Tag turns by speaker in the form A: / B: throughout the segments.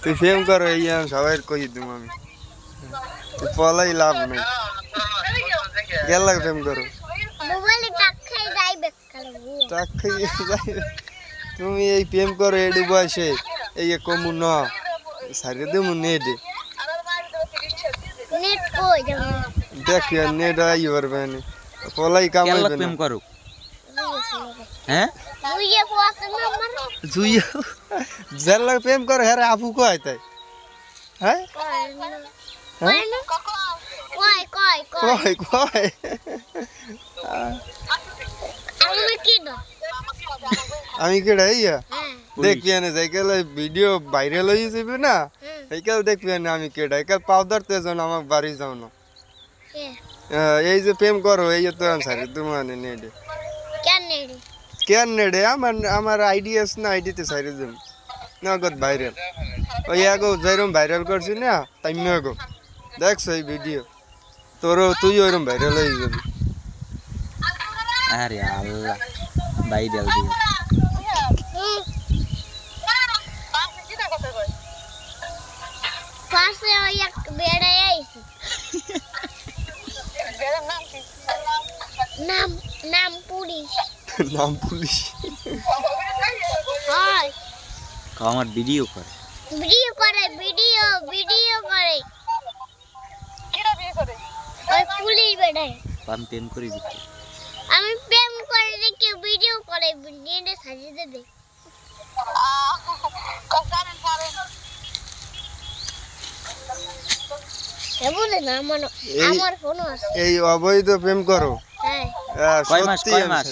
A: তুই প্রেম করো এই সবাই কই দিম আমি তুই পলাই লাভ নেই গেল প্রেম করো টাক খাইয়ে যাইবে তুমি এই প্রেম করো এডি বয়সে এই কমু ন সারিয়ে দেবো নেটে দেখ নেট আই পারবে না পলাই কামাইবে না
B: প্রেম করো হ্যাঁ
A: জুইয়া যার লাগে প্রেম করো হ্যাঁ আপু কয় তাই হ্যাঁ কয় কয় আমি কেডা ইয়া দেখবি না যাইকাল ভিডিও ভাইরাল হয়ে যাবে না এইকাল দেখবি না আমি কেডা এইকাল পাউডার তে যাও না আমার বাড়ি যাও না এই যে প্রেম করো এই তো আনসারি তোমার নেডে কেন নেডে আমার আইডিয়াস না আইডিতে সাইরে যাম নগদ ভাইরাল ওই আগো যেরকম ভাইরাল করছি না তাই আগো দেখছো এই ভিডিও তোরও তুই ওইরকম ভাইরাল হয়ে যাবি
B: আরে আল্লাহ ভাইরাল দিয়ে
C: পাশে ওই এক বেড়া আইছে নাম নাম পুলিশ
A: নাম পুলিশ
C: হয়
B: আমার ভিডিও করে
C: ভিডিও করে কিরা বিয়ে করে ওই পুলিশ বেড়া
B: আমি প্রেম করি দিতে
C: আমি প্রেম করে দেখে ভিডিও করে নিয়ে সাজিয়ে দেবে
A: এই অবৈধ প্রেম করো
B: কয় মাস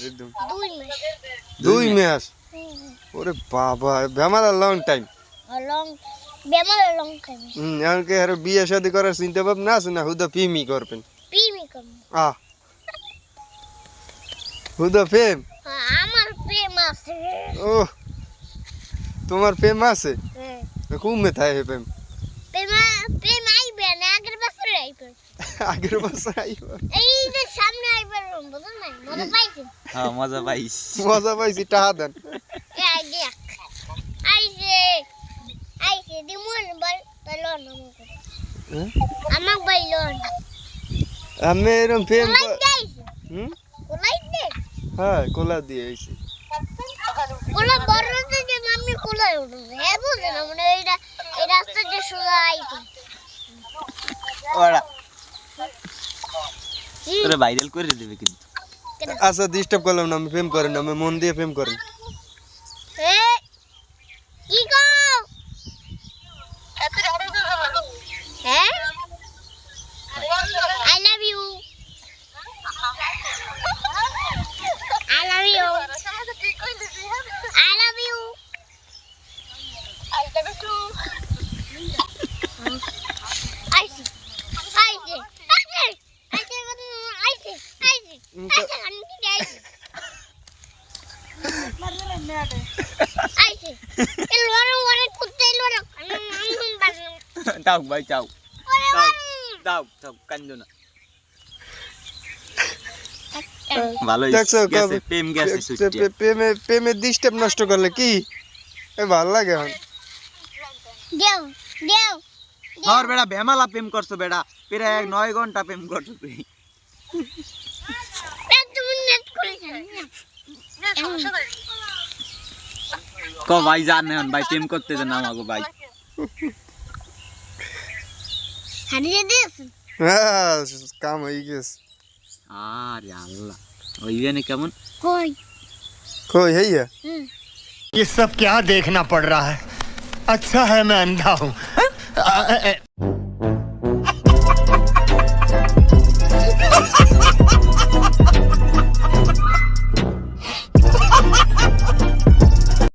A: 2 মাস ওরে বাবা বেমার লং টাইম এমনকি আর বিয়ে শাদী করার চিন্তা ভাবনা আছে না হুদা প্রেমই করবেন হুদা প্রেম
C: আমার প্রেম আছে
A: ও তোমার প্রেম আছে খুব মেথায় হে প্রেম
C: প্রেম আইবে না আগের বছর আইবে এই যে সামনে আইবে বুঝছেন না মজা পাইছেন
B: হ্যাঁ মজা পাইছি
A: টাকা দেন
C: এই আইডিয়া আইছে দিমুন বল তলন আমাক বাইলন
A: আমি এরকম প্রেম
C: কোলাই দে
A: হ্যাঁ কোলা দিয়ে আইছি
C: কোলা বড়তে যে আমি কোলাই উঠে হ্যাঁ বুঝছেন মানে এই রাস্তাতে সোজা আইছে
B: ওরা তোরে ভাইরাল করে দিবে কিন্তু
A: আচ্ছা ডিস্টার্ব করলাম না আমি প্রেম করেন না আমি মন দিয়ে প্রেম করেন
C: কি গো এত বড় হ্যাঁ I love you I love you I love you I love you আইছি
B: দাও ভাই দাও কান্দো না ভালো গেছে প্রেম গেছে
A: প্রেমে ডিস্টার্ব নষ্ট করলে কি ভালো লাগে
B: আর বেড়া ভেমালা প্রেম করছো বেড়া প্রায় 9 ঘন্টা প্রেম করছো তুই কো ভাই জান না ভাই প্রেম করতে জানা আমাগো ভাই
C: হারিয়ে দিস
A: হ্যাঁ কাম হয়ে গেছে
B: আরে আল্লাহ ওই জানে কেমন
A: কই হেইয়া
D: ये सब क्या देखना पड़ रहा है अच्छा है मैं अंधा हूँ